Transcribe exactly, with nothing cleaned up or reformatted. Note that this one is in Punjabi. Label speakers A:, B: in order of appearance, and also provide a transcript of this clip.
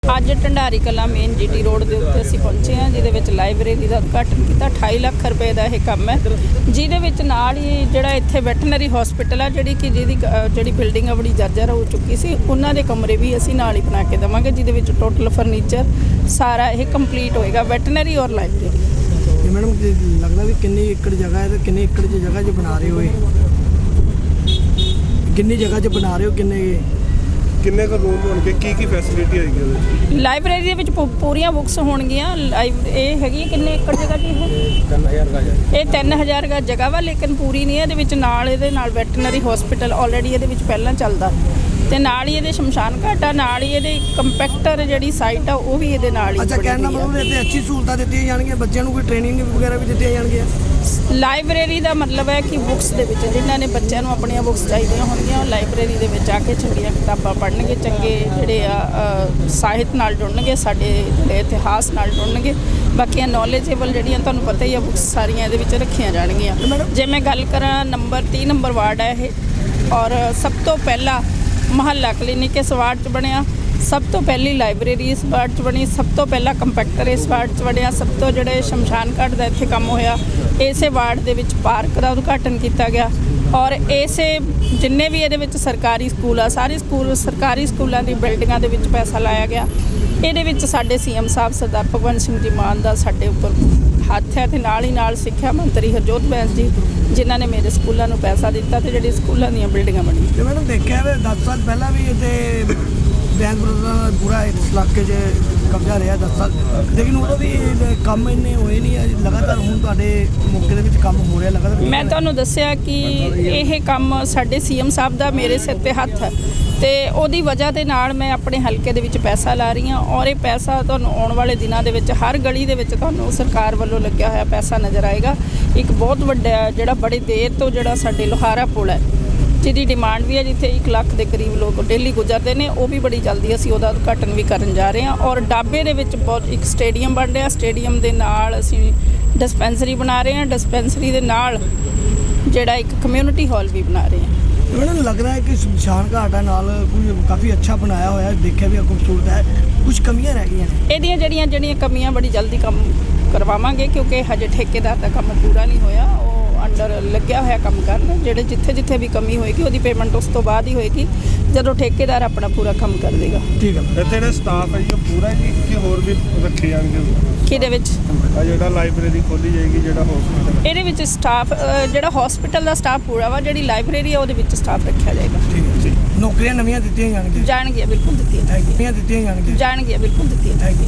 A: ਅੱਜ Dhandari Kalan main GT road ਦੇ ਉੱਤੇ ਅਸੀਂ ਪਹੁੰਚੇ ਹਾਂ, ਜਿਹਦੇ ਵਿੱਚ ਲਾਇਬ੍ਰੇਰੀ ਦਾ ਉਦਘਾਟਨ ਕੀਤਾ। ਅਠਾਈ ਲੱਖ ਰੁਪਏ ਦਾ ਇਹ ਕੰਮ ਹੈ, ਜਿਹਦੇ ਵਿੱਚ ਨਾਲ ਹੀ ਜਿਹੜਾ ਇੱਥੇ ਵੈਟਰਨਰੀ ਹਸਪੀਟਲ ਆ, ਜਿਹੜੀ ਕਿ ਜਿਹਦੀ ਜਿਹੜੀ ਬਿਲਡਿੰਗ ਆ ਬੜੀ ਜਰਜਰ ਹੋ ਚੁੱਕੀ ਸੀ, ਉਹਨਾਂ ਦੇ ਕਮਰੇ ਵੀ ਅਸੀਂ ਨਾਲ ਹੀ ਬਣਾ ਕੇ ਦੇਵਾਂਗੇ, ਜਿਹਦੇ ਵਿੱਚ ਟੋਟਲ ਫਰਨੀਚਰ ਸਾਰਾ ਇਹ ਕੰਪਲੀਟ ਹੋਏਗਾ, ਵੈਟਰਨਰੀ ਔਰ ਲਾਇਬ੍ਰੇਰੀ।
B: ਮੈਡਮ ਲੱਗਦਾ ਵੀ ਕਿੰਨੀ ਏਕੜ ਜਗ੍ਹਾ ਹੈ ਤੇ ਕਿੰਨੀ ਏਕੜ ਦੀ ਜਗ੍ਹਾ 'ਚ ਬਣਾ ਰਹੇ ਹੋ? ਕਿੰਨੀ ਜਗ੍ਹਾ 'ਚ ਬਣਾ ਰਹੇ ਹੋ? ਕਿੰਨੇ
C: ਕਿੰਨੇ ਕੁ ਰੂਮ ਹੋਣਗੇ? ਕੀ ਕੀ ਫੈਸਿਲਿਟੀ ਆਏਗੀ ਉਹਦੇ ਵਿੱਚ?
A: ਲਾਇਬ੍ਰੇਰੀ ਦੇ ਵਿੱਚ ਪੂ- ਪੂਰੀਆਂ ਬੁੱਕਸ ਹੋਣਗੀਆਂ। ਲਾਈਵ ਇਹ ਹੈਗੀ ਕਿੰਨੇ ਏਕੜ ਜਗ੍ਹਾ ਜੀ? ਇਹ
B: ਤਿੰਨ ਹਜ਼ਾਰ ਗਜ
A: ਇਹ ਤਿੰਨ ਹਜ਼ਾਰ ਗਜ ਜਗ੍ਹਾ ਵਾ, ਲੇਕਿਨ ਪੂਰੀ ਨਹੀਂ ਹੈ। ਇਹਦੇ ਵਿੱਚ ਨਾਲ ਇਹਦੇ ਨਾਲ ਵੈਟਰਨਰੀ ਹਸਪੀਟਲ ਆਲਰੇਡੀ ਇਹਦੇ ਵਿੱਚ ਪਹਿਲਾਂ ਚੱਲਦਾ, ਤੇ ਨਾਲ ਹੀ ਇਹਦੇ ਸ਼ਮਸ਼ਾਨ ਘਾਟ ਆ, ਨਾਲ ਹੀ ਇਹਦੇ ਕੰਪੈਕਟਰ ਜਿਹੜੀ ਸਾਈਟ ਆ ਉਹ ਵੀ ਇਹਦੇ ਨਾਲ ਹੀ।
B: ਅੱਛਾ, ਕਹਿਣ ਦਾ ਮਤਲਬ ਇੱਥੇ ਅੱਛੀ ਸਹੂਲਤਾਂ ਦਿੱਤੀਆਂ ਜਾਣਗੀਆਂ, ਬੱਚਿਆਂ ਨੂੰ ਕੋਈ ਟ੍ਰੇਨਿੰਗ ਵਗੈਰਾ ਵੀ ਦਿੱਤੀਆਂ ਜਾਣਗੀਆਂ।
A: ਲਾਇਬ੍ਰੇਰੀ ਦਾ ਮਤਲਬ ਹੈ ਕਿ ਬੁੱਕਸ ਦੇ ਵਿੱਚ ਜਿਨ੍ਹਾਂ ਨੇ ਬੱਚਿਆਂ ਨੂੰ ਆਪਣੀਆਂ ਬੁੱਕਸ ਚਾਹੀਦੀਆਂ ਹੋਣਗੀਆਂ, ਉਹ ਲਾਇਬ੍ਰੇਰੀ ਦੇ ਵਿੱਚ ਆ ਕੇ ਚੰਗੀਆਂ ਕਿਤਾਬਾਂ ਪੜ੍ਹਨਗੇ, ਚੰਗੇ ਜਿਹੜੇ ਆ ਸਾਹਿਤ ਨਾਲ ਜੁੜਨਗੇ, ਸਾਡੇ ਜਿਹੜੇ ਇਤਿਹਾਸ ਨਾਲ ਜੁੜਨਗੇ। ਬਾਕੀਆਂ ਨੌਲੇਜੇਬਲ ਜਿਹੜੀਆਂ ਤੁਹਾਨੂੰ ਪਤਾ ਹੀ ਆ ਬੁੱਕਸ ਸਾਰੀਆਂ ਇਹਦੇ ਵਿੱਚ ਰੱਖੀਆਂ ਜਾਣਗੀਆਂ। ਜੇ ਮੈਂ ਗੱਲ ਕਰਾਂ, ਨੰਬਰ ਤੀਹ ਨੰਬਰ ਵਾਰਡ ਹੈ ਇਹ, ਔਰ ਸਭ ਤੋਂ ਪਹਿਲਾ ਮੁਹੱਲਾ ਕਲੀਨਿਕ ਇਸ ਵਾਰਡ 'ਚ ਬਣਿਆ, ਸਭ ਤੋਂ ਪਹਿਲੀ ਲਾਇਬ੍ਰੇਰੀ ਇਸ ਵਾਰਡ 'ਚ ਬਣੀ, ਸਭ ਤੋਂ ਪਹਿਲਾ ਕੰਪੈਕਟਰ ਇਸ ਵਾਰਡ 'ਚ ਬਣਿਆ, ਸਭ ਤੋਂ ਜਿਹੜੇ ਸ਼ਮਸ਼ਾਨ ਘਾਟ ਦਾ ਇੱਥੇ ਕੰਮ ਹੋਇਆ, ਇਸੇ ਵਾਰਡ ਦੇ ਵਿੱਚ ਪਾਰਕ ਦਾ ਉਦਘਾਟਨ ਕੀਤਾ ਗਿਆ। ਔਰ ਇਸੇ ਜਿੰਨੇ ਵੀ ਇਹਦੇ ਵਿੱਚ ਸਰਕਾਰੀ ਸਕੂਲ ਆ, ਸਾਰੇ ਸਕੂਲ ਸਰਕਾਰੀ ਸਕੂਲਾਂ ਦੀ ਬਿਲਡਿੰਗਾਂ ਦੇ ਵਿੱਚ ਪੈਸਾ ਲਾਇਆ ਗਿਆ। ਇਹਦੇ ਵਿੱਚ ਸਾਡੇ ਸੀਐਮ ਸਾਹਿਬ ਸਰਦਾਰ ਭਗਵੰਤ ਸਿੰਘ ਜੀ ਮਾਨ ਦਾ ਸਾਡੇ ਉੱਪਰ ਹੱਥ ਹੈ, ਤੇ ਨਾਲ ਹੀ ਨਾਲ ਸਿੱਖਿਆ ਮੰਤਰੀ ਹਰਜੋਤ ਬੈਂਸ ਜੀ, ਜਿਨ੍ਹਾਂ ਨੇ ਮੇਰੇ ਸਕੂਲਾਂ ਨੂੰ ਪੈਸਾ ਦਿੱਤਾ ਤੇ ਜਿਹੜੀ ਸਕੂਲਾਂ ਦੀਆਂ ਬਿਲਡਿੰਗਾਂ ਬਣੀਆਂ।
B: ਤੇ ਮੈਡਮ ਦੇਖਿਆ ਵੇ ਦਸ ਸਾਲ ਪਹਿਲਾਂ ਵੀ ਇੱਥੇ ਬੈਂਸ ਬਰੋਦਾ ਦਾ ਪੂਰਾ ਇਸ ਇਲਾਕੇ 'ਚ ਕਬਜ਼ਾ ਰਿਹਾ ਦਸ ਸਾਲ, ਲੇਕਿਨ ਉਦੋਂ ਵੀ ਕੰਮ ਇੰਨੇ ਹੋਏ ਨਹੀਂ। ਲਗਾਤਾਰ ਹੁਣ ਤੁਹਾਡੇ ਮੌਕੇ ਦੇ ਵਿੱਚ ਕੰਮ ਹੋ ਰਿਹਾ ਲਗਾਤਾਰ।
A: ਮੈਂ ਤੁਹਾਨੂੰ ਦੱਸਿਆ ਕਿ ਇਹ ਕੰਮ ਸਾਡੇ ਸੀਐਮ ਸਾਹਿਬ ਦਾ ਮੇਰੇ ਸਿਰ 'ਤੇ ਹੱਥ ਹੈ, ਤੇ ਉਹਦੀ ਵਜ੍ਹਾ ਦੇ ਨਾਲ ਮੈਂ ਆਪਣੇ ਹਲਕੇ ਦੇ ਵਿੱਚ ਪੈਸਾ ਲਾ ਰਹੀ ਹਾਂ, ਔਰ ਇਹ ਪੈਸਾ ਤੁਹਾਨੂੰ ਆਉਣ ਵਾਲੇ ਦਿਨਾਂ ਦੇ ਵਿੱਚ ਹਰ ਗਲੀ ਦੇ ਵਿੱਚ ਤੁਹਾਨੂੰ ਸਰਕਾਰ ਵੱਲੋਂ ਲੱਗਿਆ ਹੋਇਆ ਪੈਸਾ ਨਜ਼ਰ ਆਏਗਾ। ਇੱਕ ਬਹੁਤ ਵੱਡਾ ਜਿਹੜਾ ਬੜੀ ਦੇਰ ਤੋਂ ਜਿਹੜਾ ਸਾਡੇ ਲੋਹਾਰਾ ਪੁਲ ਹੈ, ਜਿਹਦੀ ਡਿਮਾਂਡ ਵੀ ਹੈ, ਜਿੱਥੇ ਇੱਕ ਲੱਖ ਦੇ ਕਰੀਬ ਲੋਕ ਡੇਲੀ ਗੁਜ਼ਰਦੇ ਨੇ, ਉਹ ਵੀ ਬੜੀ ਜਲਦੀ ਅਸੀਂ ਉਹਦਾ ਉਦਘਾਟਨ ਵੀ ਕਰਨ ਜਾ ਰਹੇ ਹਾਂ। ਔਰ ਡਾਬੇ ਦੇ ਵਿੱਚ ਬਹੁਤ ਇੱਕ ਸਟੇਡੀਅਮ ਬਣ ਰਿਹਾ, ਸਟੇਡੀਅਮ ਦੇ ਨਾਲ ਅਸੀਂ ਡਿਸਪੈਂਸਰੀ ਬਣਾ ਰਹੇ ਹਾਂ, ਡਿਸਪੈਂਸਰੀ ਦੇ ਨਾਲ ਜਿਹੜਾ ਇੱਕ ਕਮਿਊਨਿਟੀ ਹਾਲ ਵੀ ਬਣਾ ਰਹੇ ਹਾਂ।
B: ਮੈਨੂੰ ਲੱਗ ਰਿਹਾ ਹੈ ਕਿ ਸ਼ਮਸ਼ਾਨ ਘਾਟ ਨਾਲ ਕੋਈ ਕਾਫੀ ਅੱਛਾ ਬਣਾਇਆ ਹੋਇਆ, ਦੇਖਿਆ ਵੀ ਖੂਬਸੂਰਤ ਹੈ, ਕੁਝ ਕਮੀਆਂ ਰਹਿ ਗਈਆਂ ਨੇ।
A: ਇਹਦੀਆਂ ਜਿਹੜੀਆਂ ਜਿਹੜੀਆਂ ਕਮੀਆਂ ਬੜੀ ਜਲਦੀ ਕੰਮ ਕਰਵਾਵਾਂਗੇ, ਕਿਉਂਕਿ ਹਜੇ ਠੇਕੇਦਾਰ ਦਾ ਕੰਮ ਪੂਰਾ ਨਹੀਂ ਹੋਇਆ, ਉਹ ਅੰਡਰ ਲੱਗਿਆ ਹੋਇਆ ਕੰਮ ਕਰਨ। ਜਿਹੜੇ ਜਿੱਥੇ ਜਿੱਥੇ ਵੀ ਕਮੀ ਹੋਏਗੀ ਉਹਦੀ ਪੇਮੈਂਟ ਉਸ ਤੋਂ ਬਾਅਦ ਹੀ ਹੋਏਗੀ, ਜਦੋਂ ਠੇਕੇਦਾਰ ਆਪਣਾ ਪੂਰਾ ਕੰਮ ਕਰ ਦੇਗਾ।
B: ਠੀਕ ਹੈ।
C: ਇੱਥੇ ਜਿਹੜਾ ਸਟਾਫ ਹੈ ਜੀ ਉਹ ਪੂਰਾ ਜੀ ਕਿ ਹੋਰ ਵੀ ਰੱਖੇ ਜਾਣਗੇ?
A: ਕਿਹਦੇ ਵਿੱਚ?
C: ਆ ਜਿਹੜਾ ਲਾਇਬ੍ਰੇਰੀ ਖੋਲੀ ਜਾਏਗੀ, ਜਿਹੜਾ ਹਸਪੀਟਲ
A: ਇਹਦੇ ਵਿੱਚ ਸਟਾਫ ਜਿਹੜਾ ਹਸਪੀਟਲ ਦਾ ਸਟਾਫ ਪੂਰਾ ਵਾ, ਜਿਹੜੀ ਲਾਇਬ੍ਰੇਰੀ ਆ ਉਹਦੇ ਵਿੱਚ ਸਟਾਫ ਰੱਖਿਆ ਜਾਏਗਾ।
B: ਠੀਕ ਹੈ। ਨੌਕਰੀਆਂ ਨਵੀਆਂ ਦਿੱਤੀਆਂ ਜਾਣਗੀਆਂ?
A: ਜਾਣਗੀਆਂ, ਬਿਲਕੁਲ ਦਿੱਤੀਆਂ
B: ਦਿੱਤੀਆਂ ਦਿੱਤੀਆਂ ਜਾਣਗੀਆਂ
A: ਜਾਣਗੀਆਂ ਬਿਲਕੁਲ ਦਿੱਤੀਆਂ
B: ਥੈਂਕ ਯੂ।